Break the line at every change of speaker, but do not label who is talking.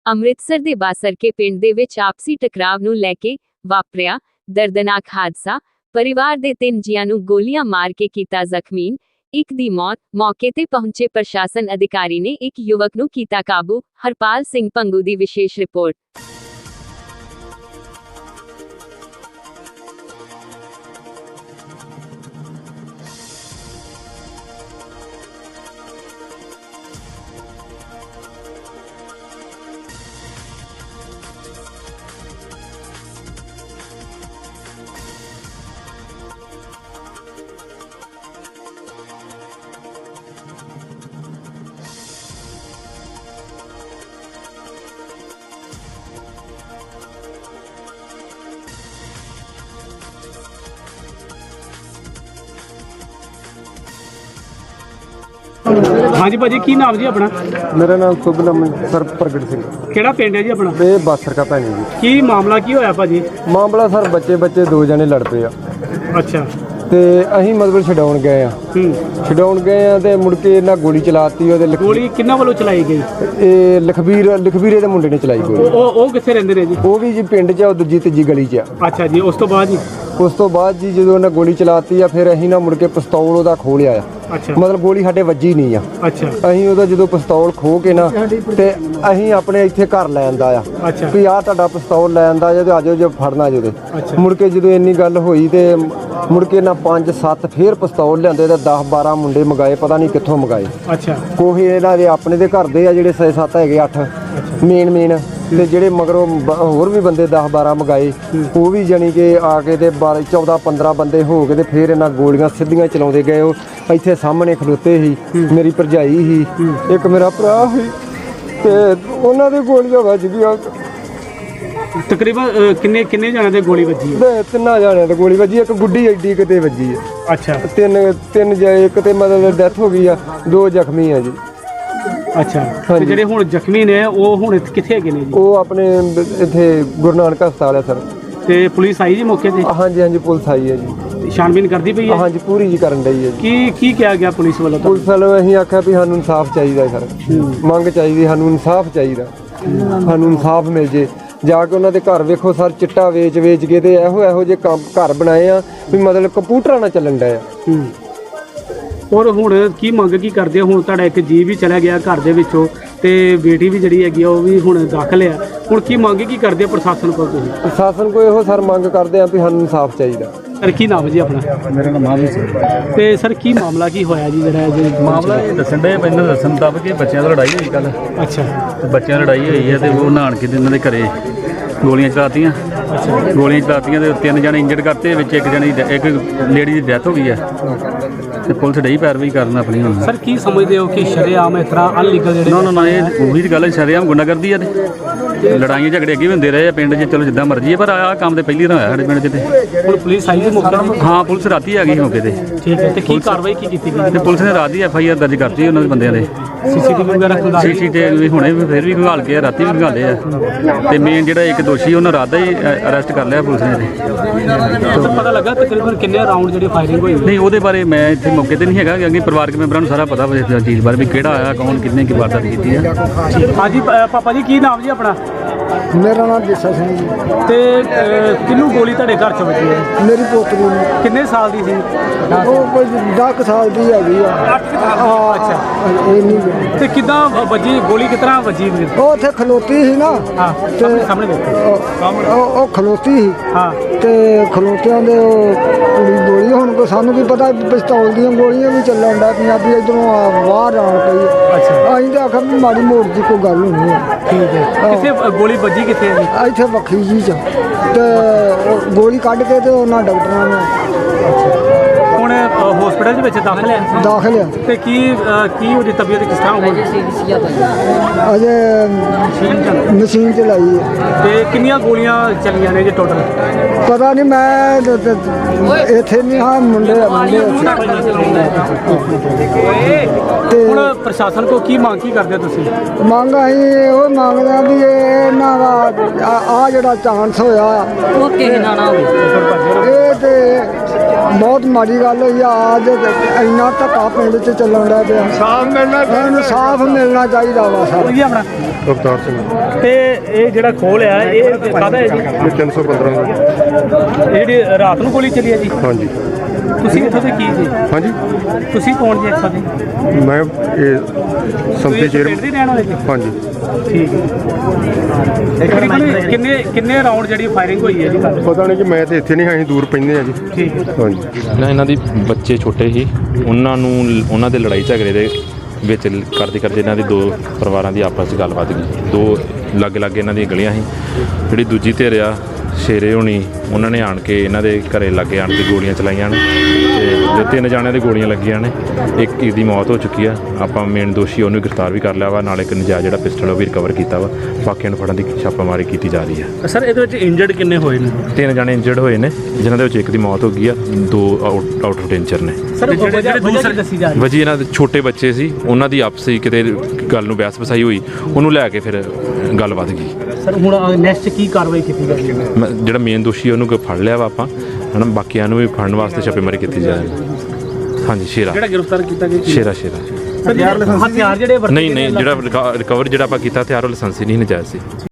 ਅੰਮ੍ਰਿਤਸਰ ਦੇ ਬਾਸਰਕੇ ਪਿੰਡ ਦੇ ਵਿੱਚ ਆਪਸੀ ਟਕਰਾਵ ਨੂੰ ਲੈ ਕੇ ਵਾਪਰਿਆ ਦਰਦਨਾਕ ਹਾਦਸਾ। ਪਰਿਵਾਰ ਦੇ 3 ਜੀਆਂ ਨੂੰ ਗੋਲੀਆਂ ਮਾਰ ਕੇ ਕੀਤਾ ਜ਼ਖਮੀ, ਇੱਕ ਦੀ ਮੌਤ। ਮੌਕੇ ਤੇ ਪਹੁੰਚੇ ਪ੍ਰਸ਼ਾਸਨ ਅਧਿਕਾਰੀ ਨੇ ਇੱਕ ਯੁਵਕ ਨੂੰ ਕੀਤਾ ਕਾਬੂ। ਹਰਪਾਲ ਸਿੰਘ ਪੰਗੂ ਦੀ ਵਿਸ਼ੇਸ਼ ਰਿਪੋਰਟ।
हाँ जी भाजी, की नाम जी अपना?
मेरा नाम सुबनम सर प्रगट सिंह।
केड़ा पिंड है जी अपना?
ये बासर का भैनी जी।
की मामला की होया भाजी?
मामला सर बच्चे 2 जने लड़ पे आ
अच्छा
ਤੇ ਅਸੀਂ ਮਤਲਬ ਛਡਾਉਣ ਗਏ ਆ ਤੇ ਮੁੜ ਕੇ ਇਹਨਾਂ ਗੋਲੀ ਚਲਾਤੀ। ਉਹਦੇ
ਗੋਲੀ ਕਿੰਨਾ ਵੱਲੋਂ ਚਲਾਈ ਗਈ?
ਇਹ ਲਖਬੀਰੇ ਦੇ ਮੁੰਡੇ ਨੇ ਚਲਾਈ ਗੋਲੀ।
ਉਹ ਕਿੱਥੇ ਰਹਿੰਦੇ ਨੇ ਜੀ?
ਉਹ ਵੀ ਜੀ ਪਿੰਡ 'ਚ ਆ, ਉਹ ਦੂਜੀ ਤੀਜੀ ਗਲੀ 'ਚ ਆ।
ਅੱਛਾ ਜੀ, ਉਸ ਤੋਂ ਬਾਅਦ ਜੀ ਜਦੋਂ ਉਹਨਾਂ ਗੋਲੀ ਚਲਾਤੀ ਆ ਫਿਰ ਅਸੀਂ ਨਾ ਮੁੜ ਕੇ ਪਿਸਤੌਲ ਉਹਦਾ ਖੋਹ ਲਿਆ ਆ। ਅੱਛਾ,
ਮਤਲਬ ਗੋਲੀ ਸਾਡੇ ਵੱਜੀ ਨਹੀਂ ਆ।
ਅੱਛਾ,
ਅਸੀਂ ਉਹਦਾ ਜਦੋਂ ਪਿਸਤੌਲ ਖੋਹ ਕੇ ਨਾ ਤੇ ਅਸੀਂ ਆਪਣੇ ਇੱਥੇ ਘਰ ਲੈ ਆਂਦਾ ਆ
ਅੱਛਾ
ਵੀ ਆਹ ਤੁਹਾਡਾ ਪਿਸਤੌਲ ਲੈ ਆਂਦਾ ਜੇ ਆਜੋ ਜੇ ਫੜਨਾ ਜੇ। ਮੁੜ ਕੇ ਜਦੋਂ ਇੰਨੀ ਗੱਲ ਹੋਈ ਤੇ ਮੁੜ ਕੇ ਨਾ 5-7 ਫੇਰ ਪਿਸਤੌਲ ਲਿਆਂਦੇ ਤੇ 10-12 ਮੁੰਡੇ ਮੰਗਾਏ, ਪਤਾ ਨਹੀਂ ਕਿੱਥੋਂ ਮੰਗਾਏ।
ਅੱਛਾ,
ਕੋਈ ਇਹਨਾਂ ਦੇ ਆਪਣੇ ਦੇ ਘਰ ਦੇ ਆ ਜਿਹੜੇ 6-7 ਹੈਗੇ 8 ਮੇਨ ਤੇ ਜਿਹੜੇ ਮਗਰੋਂ ਹੋਰ ਵੀ ਬੰਦੇ 10-12 ਮੰਗਾਏ। ਉਹ ਵੀ ਜਾਣੀ ਕਿ ਆ ਕੇ ਤੇ 14-15 ਬੰਦੇ ਹੋ ਕੇ ਤੇ ਫਿਰ ਇਹਨਾਂ ਗੋਲੀਆਂ ਸਿੱਧੀਆਂ ਚਲਾਉਂਦੇ ਗਏ। ਉਹ ਇੱਥੇ ਸਾਹਮਣੇ ਖਲੋਤੇ ਸੀ, ਮੇਰੀ ਭਰਜਾਈ ਸੀ, ਇੱਕ ਮੇਰਾ ਭਰਾ ਸੀ ਤੇ ਉਹਨਾਂ ਦੇ ਗੋਲੀਆਂ ਵੱਜ ਗਈਆਂ।
ਤਕਰੀਬਨ ਕਿੰਨੇ ਜਾਣੇ ਦੇ ਗੋਲੀ ਵੱਜੀ ਹੈ?
3 ਜਾਣਿਆਂ ਤੇ ਗੋਲੀ ਵੱਜੀ, ਇੱਕ ਗੁੱਡੀ ਐਡੀ ਕਿਤੇ ਵੱਜੀ ਹੈ।
ਅੱਛਾ,
ਤਿੰਨ ਇੱਕ ਤੇ ਮਤਲਬ ਡੈਥ ਹੋ ਗਈ ਆ, 2 ਜ਼ਖਮੀ ਆ ਜੀ।
ਅੱਛਾ, ਤੇ ਜਿਹੜੇ ਹੁਣ ਜ਼ਖਮੀ ਨੇ ਉਹ ਹੁਣ ਕਿੱਥੇ ਹੈਗੇ ਨੇ ਜੀ?
ਉਹ ਆਪਣੇ ਇੱਥੇ ਗੁਰੂ ਨਾਨਕ ਹਸਪਤਾਲ ਹੈ ਸਰ।
ਤੇ ਪੁਲਿਸ ਆਈ ਜੀ ਮੌਕੇ ਤੇ?
ਹਾਂਜੀ ਪੁਲਿਸ ਆਈ ਹੈ ਜੀ,
ਛਾਣਬੀਨ ਕਰਦੀ ਪਈ ਹੈ?
ਹਾਂਜੀ ਪੂਰੀ ਜੀ ਕਰਨ ਡਈ ਹੈ ਜੀ।
ਕੀ ਕਿਹਾ ਗਿਆ ਪੁਲਿਸ ਵੱਲੋਂ?
ਪੁਲਿਸ ਵੱਲੋਂ ਅਸੀਂ ਆਖਿਆ ਵੀ ਸਾਨੂੰ ਇਨਸਾਫ ਚਾਹੀਦਾ ਸਰ, ਮੰਗ ਚਾਹੀਦੀ, ਸਾਨੂੰ ਇਨਸਾਫ ਚਾਹੀਦਾ, ਸਾਨੂੰ ਇਨਸਾਫ ਮਿਲ ਜੇ। ਜਾ ਕੇ ਉਹਨਾਂ ਦੇ ਘਰ ਵੇਖੋ ਸਰ, ਚਿੱਟਾ ਵੇਚ ਕੇ ਤੇ ਇਹੋ ਜਿਹੇ ਕੰਮ ਘਰ ਬਣਾਏ ਆ ਵੀ ਮਤਲਬ ਕੰਪਿਊਟਰਾਂ ਨਾਲ ਚੱਲਣ ਡਿਆ ਆ।
ਔਰ ਹੁਣ ਕੀ ਮੰਗ ਕੀ ਕਰਦੇ ਹੋ? ਹੁਣ ਤੁਹਾਡਾ ਇੱਕ ਜੀ ਵੀ ਚਲਾ ਗਿਆ ਘਰ ਦੇ ਵਿੱਚੋਂ ਤੇ ਬੇਟੀ ਵੀ ਜਿਹੜੀ ਹੈਗੀ ਉਹ ਵੀ ਹੁਣ ਦਾਖਲ ਆ। ਹੁਣ ਕੀ ਮੰਗ ਕੀ ਕਰਦੇ ਪ੍ਰਸ਼ਾਸਨ ਕੋਲ ਤੁਸੀਂ?
ਪ੍ਰਸ਼ਾਸਨ ਕੋਲ ਇਹੋ ਸਰ ਮੰਗ ਕਰਦੇ ਆ ਵੀ ਸਾਨੂੰ ਇਨਸਾਫ ਚਾਹੀਦਾ।
ਸਰ ਕੀ ਨਾਮ ਜੀ ਆਪਣਾ?
ਮੇਰਾ ਨਾਮ ਮਾਵੀ ਸਿੰਘ।
ਤੇ ਸਰ ਕੀ ਮਾਮਲਾ ਕੀ ਹੋਇਆ ਜੀ ਜਿਹੜਾ
ਮਾਮਲਾ ਇਹ ਦੱਸਣ ਦੇ ਮੈਨੂੰ ਦੱਸਣ ਮੁਤਾਬਕ ਕਿ ਬੱਚਿਆਂ ਦੀ ਲੜਾਈ ਹੋਈ ਕੱਲ।
ਅੱਛਾ,
ਤੇ ਬੱਚਿਆਂ ਦੀ ਲੜਾਈ ਹੋਈ ਹੈ ਤੇ ਉਹ ਨਹਾਣ ਕੇ ਇਹਨਾਂ ਦੇ ਘਰੇ ਗੋਲੀਆਂ ਚਲਾਤੀਆਂ। ਗੋਲੀਆਂ ਚਲਾਤੀਆਂ ਤੇ 3 ਜਣੇ ਇੰਜਰਡ ਕਰਤੇ, ਵਿੱਚ ਇੱਕ ਲੇਡੀ ਦੀ ਡੈਥ ਹੋ ਗਈ ਹੈ ਤੇ ਪੁਲਿਸ ਡਈ ਪੈਰਵਾਈ ਕਰਨ ਆਪਣੀ। ਹੁਣ
ਸਰ ਕੀ ਸਮਝਦੇ ਹੋ ਕਿ ਸ਼ਰੇਆਮ ਇਸ ਤਰ੍ਹਾਂ ਅਨਲੀਗਲ ਜਿਹੜੇ
ਨਾ ਇਹ ਉਹੀ ਗੱਲ ਹੈ, ਸ਼ਰੇਆਮ ਗੁੰਡਾਗਰਦੀ ਆ ਤੇ ਲੜਾਈਆਂ ਝਗੜੇ ਅੱਗੇ ਵੀ ਹੁੰਦੇ ਰਹੇ ਆ ਪਿੰਡ 'ਚ। ਚਲੋ ਜਿੱਦਾਂ ਮਰਜ਼ੀ ਹੈ, ਪਰ ਆਹ ਕੰਮ ਤੇ ਪਹਿਲੀ ਵਾਰ ਹੋਇਆ ਸਾਡੇ ਪਿੰਡ 'ਚ। ਤੇ
ਹੁਣ ਪੁਲਿਸ ਆਈ ਜੀ ਮੌਕੇ ਤੇ?
ਹਾਂ, ਪੁਲਿਸ ਰਾਤੀ ਆ ਗਈ ਮੌਕੇ ਤੇ।
ਠੀਕ ਹੈ, ਤੇ ਕੀ ਕਾਰਵਾਈ ਕੀ ਕੀਤੀ ਗਈ?
ਤੇ ਪੁਲਿਸ ਨੇ ਰਾਤ ਦੀ FIR ਦਰਜ ਕਰਤੀ ਉਹਨਾਂ ਦੇ ਬੰਦਿਆਂ ਦੇ।
CCTV ਵਗੈਰਾ
CCTV ਹੁਣੇ ਵੀ ਫਿਰ ਵੀ ਖੰਗਾਲ ਕੇ ਰਾਤੀ ਵੀ ਖੰਗਾਲੇ ਆ। ਤੇ ਮੇਨ ਜਿਹੜਾ ਇੱਕ ਦੋਸ਼ੀ ਉਹਨਾਂ ਰਾਤ ਦਾ ਹੀ ਅਰੈਸਟ ਕਰ ਲਿਆ ਪੁਲਿਸ ਨੇ।
ਸਰ ਪਤਾ ਲੱਗਾ ਤਕਰੀਬਨ ਕਿੰਨੇ ਰਾਉਂਡ ਜਿਹੜੀ ਫਾਇਰਿੰਗ ਹੋਈ?
ਨਹੀਂ, ਉਹਦੇ ਬਾਰੇ ਮੈਂ ਇੱਥੇ ਮੌਕੇ ਤੇ ਨਹੀਂ ਹੈਗਾ, ਕਿਉਂਕਿ ਪਰਿਵਾਰਕ ਮੈਂਬਰਾਂ ਨੂੰ ਸਾਰਾ ਪਤਾ ਵਾ ਇਸ ਚੀਜ਼ ਬਾਰੇ ਵੀ ਕਿਹੜਾ ਆਇਆ, ਕੌਣ ਕਿੰਨੇ ਕੀ ਵਾਰਦਾਤ ਕੀਤੀ ਆ।
ਹਾਂਜੀ ਪਾਪਾ ਜੀ, ਕੀ ਨਾਮ ਜੀ ਆਪਣਾ?
ਮੇਰਾ ਨਾਮ ਜੱਸਾ ਸਿੰਘ ਜੀ।
ਤੇ ਕਿਹਨੂੰ ਗੋਲੀ ਤੁਹਾਡੇ ਘਰ ਚ ਵੱਜੀ ਹੈ?
ਮੇਰੀ ਪੋਤਰੀ ਨੂੰ।
ਕਿੰਨੇ ਸਾਲ ਦੀ ਸੀ?
ਉਹ ਕੋਈ 10 ਸਾਲ ਦੀ ਹੈਗੀ ਆ।
ਅੱਛਾ,
ਇਹ ਨਹੀਂ
ਤੇ ਕਿੱਦਾਂ ਵੱਜੀ ਗੋਲੀ? ਕਿਸ ਤਰ੍ਹਾਂ ਵੱਜੀ?
ਉਹ ਉੱਥੇ ਖਲੋਤੀ ਸੀ ਨਾ।
ਹਾਂ, ਸਾਹਮਣੇ ਦੇਖੋ।
ਉਹ ਖਲੋਤੀ ਸੀ।
ਹਾਂ,
ਤੇ ਖਲੋਤਿਆਂ ਦੇ ਉਹ ਕੁੜੀ ਗੋਲੀ। ਹੁਣ ਕੋ ਸਾਨੂੰ ਕੀ ਪਤਾ ਪਿਸਤੌਲ ਦੀਆਂ ਗੋਲੀਆਂ ਵੀ ਚੱਲਣ ਦਾ ਪੰਜਾਬੀ ਇੱਧਰੋਂ ਬਾਹਰ ਆਉਣ ਪਈ।
ਅੱਛਾ,
ਅਸੀਂ ਤਾਂ ਆਖਿਆ ਵੀ ਮਾੜੀ ਮੋੜ ਦੀ ਕੋਈ ਗੱਲ ਹੋਣੀ ਹੈ।
ਠੀਕ ਹੈ। ਕਿੱਥੇ ਗੋਲੀ ਵੱਜੀ ਕਿੱਥੇ ਹੈ ਜੀ?
ਇੱਥੇ ਵੱਖਰੀ ਜੀ ਚ ਤੇ ਉਹ ਗੋਲੀ ਕੱਢ ਕੇ ਤੇ ਉਹਨਾਂ ਡਾਕਟਰਾਂ ਨੇ
ਹੁਣ ਹਸਪੀਟਲ ਦੇ ਵਿੱਚ ਦਾਖਲ ਹੈ?
ਦਾਖਲ ਆ।
ਤੇ ਕੀ ਉਹਦੀ ਤਬੀਅਤ ਕਿਸ ਤਰ੍ਹਾਂ ਹੋਈ?
ਅਜੇ ਮਸ਼ੀਨ ਚਲਾਈ ਹੈ।
ਤੇ ਕਿੰਨੀਆਂ ਗੋਲੀਆਂ ਚੱਲੀਆਂ ਨੇ ਜੀ ਟੋਟਲ?
ਪਤਾ ਨਹੀਂ, ਮੈਂ ਇੱਥੇ ਨਹੀਂ ਹਾਂ, ਮੁੰਡੇ ਤੇ
ਹੁਣ ਪ੍ਰਸ਼ਾਸਨ ਕੋ ਕੀ ਮੰਗ ਕੀ ਕਰਦੇ ਹੋ ਤੁਸੀਂ?
ਮੰਗ ਅਸੀਂ ਉਹ ਮੰਗਦੇ ਆ ਵੀ ਇਹਨਾਂ ਦਾ ਆ ਜਿਹੜਾ ਚਾਂਸ ਹੋਇਆ
ਉਹ ਕਿਸੇ ਨਾਲ ਨਾ ਹੋਵੇ।
ਇਹ ਤੇ
ਬਹੁਤ ਮਾੜੀ ਗੱਲ ਹੋਈ ਆ। ਅੱਜ ਇੰਨਾ ਧੱਕਾ ਪਿੰਡ 'ਚ ਚੱਲਣ ਦਾ ਪਿਆ। ਇਨਸਾਫ ਮਿਲਣਾ ਚਾਹੀਦਾ ਵਾ ਸਰ।
ਜੀ ਆਪਣਾ
ਅਵਤਾਰ ਸਿੰਘ
ਤੇ ਇਹ ਜਿਹੜਾ ਖੋਲ ਆ ਇਹ ਕਾਹਦਾ ਹੈ ਜੀ?
ਇਹ 315
ਇਹ ਜਿਹੜੀ ਰਾਤ ਨੂੰ ਗੋਲੀ ਚੱਲੀ ਹੈ ਜੀ?
ਹਾਂਜੀ
ਤੁਸੀਂ ਇੱਥੋਂ ਦੇ ਕੀ ਜੀ?
ਹਾਂਜੀ
ਤੁਸੀਂ ਕੌਣ ਜੀ ਇੱਥੋਂ ਦੇ?
ਮੈਂ ਇਹ ਸੰਮਤੀ
ਪਿੰਡ
ਚੇਅਰਮੈਨ
ਦੇ ਰਹਿਣ ਵਾਲੇ ਜੀ?
ਹਾਂਜੀ
ਠੀਕ ਹੈ। ਕਿੰਨੇ ਕਿੰਨੇ ਰਾਉਂਡ ਜਿਹੜੀ ਫਾਇਰਿੰਗ ਹੋਈ ਹੈ ਜੀ ਕੱਲ੍ਹ?
ਪਤਾ ਨਹੀਂ ਕਿ ਮੈਂ ਤੇ ਇੱਥੇ ਨਹੀਂ ਹਾਂ, ਅਸੀਂ ਦੂਰ ਪੈਂਦੇ ਆ ਜੀ।
ਠੀਕ ਹੈ।
ਹਾਂਜੀ
ਇਹਨਾਂ ਦੀ ਬੱਚੇ ਛੋਟੇ ਸੀ, ਉਹਨਾਂ ਦੇ ਲੜਾਈ ਝਗੜੇ ਦੇ ਵਿੱਚ ਕਰਦੇ ਇਹਨਾਂ ਦੀ ਦੋ ਪਰਿਵਾਰਾਂ ਦੀ ਆਪਸ 'ਚ ਗੱਲਬਾਤ ਗਈ। ਦੋ ਲਾਗੇ ਇਹਨਾਂ ਦੀਆਂ ਗਲੀਆਂ ਸੀ। ਜਿਹੜੀ ਦੂਜੀ ਧਿਰ ਆ ਸ਼ੇਰੇ ਹੋਣੀ, ਉਹਨਾਂ ਨੇ ਆਣ ਕੇ ਇਹਨਾਂ ਦੇ ਘਰੇ ਲਾਗੇ ਆਣ ਕੇ ਗੋਲੀਆਂ ਚਲਾਈਆਂ ਨੇ ਤੇ ਜੋ 3 ਜਾਣਿਆਂ ਦੇ ਗੋਲੀਆਂ ਲੱਗੀਆਂ ਨੇ। ਇੱਕ ਦੀ ਮੌਤ ਹੋ ਚੁੱਕੀ ਆ। ਆਪਾਂ ਮੇਨ ਦੋਸ਼ੀ ਉਹਨੂੰ ਗ੍ਰਿਫਤਾਰ ਵੀ ਕਰ ਲਿਆ ਵਾ, ਨਾਲ ਇੱਕ ਨਜਾਇਜ਼ ਜਿਹੜਾ ਪਿਸਟਲ ਉਹ ਵੀ ਰਿਕਵਰ ਕੀਤਾ ਵਾ। ਬਾਕੀਆਂ ਨੂੰ ਫੜਨ ਦੀ ਛਾਪਾਮਾਰੀ ਕੀਤੀ ਜਾ ਰਹੀ ਆ।
ਸਰ ਇਹਦੇ ਵਿੱਚ ਇੰਜਰਡ ਕਿੰਨੇ ਹੋਏ ਨੇ?
3 ਜਾਣੇ ਇੰਜਰਡ ਹੋਏ ਨੇ, ਜਿਨ੍ਹਾਂ ਦੇ ਵਿੱਚ ਇੱਕ ਦੀ ਮੌਤ ਹੋ ਗਈ ਆ, 2 ਆਊਟ ਆਫ ਡੇਂਜਰ ਨੇ।
ਸਰ ਜਿਹੜੇ ਦੂਸਰੇ ਦੱਸੀ ਜਾ ਰਹੀ
ਵਜੀ ਇਹਨਾਂ ਦੇ ਛੋਟੇ ਬੱਚੇ ਸੀ, ਉਹਨਾਂ ਦੀ ਆਪਸੀ ਕਿਤੇ ਗੱਲ ਨੂੰ ਬਹਿਸ ਵਸਾਈ ਹੋਈ, ਉਹਨੂੰ ਲੈ ਕੇ ਫਿਰ ਗੱਲ ਵੱਧ ਗਈ।
ਸਰ ਹੁਣ ਨੈਕਸਟ ਕੀ ਕਾਰਵਾਈ ਕੀਤੀ ਜਾਵੇਗੀ?
ਜਿਹੜਾ ਮੇਨ ਦੋਸ਼ੀ ਉਹਨੂੰ ਫੜ ਲਿਆ ਵਾ ਆਪਾਂ, ਹਨਾ। ਬਾਕੀਆਂ ਨੂੰ ਵੀ ਫੜਨ ਵਾਸਤੇ ਛਾਪੇਮਾਰੀ ਕੀਤੀ ਜਾ ਰਹੀ ਹੈ। ਹਾਂਜੀ ਸ਼ੇਰਾ
ਜਿਹੜਾ ਗ੍ਰਿਫਤਾਰ ਕੀਤਾ ਗਿਆ
ਸ਼ੇਰਾ
ਹਥਿਆਰ ਜਿਹੜੇ ਵਰਤੇ
ਨਹੀਂ ਜਿਹੜਾ ਰਿਕਵਰ ਜਿਹੜਾ ਆਪਾਂ ਕੀਤਾ ਹਥਿਆਰ ਉਹ ਲਾਇਸੈਂਸੀ ਨਹੀਂ ਨਜਾਇਜ਼ ਸੀ।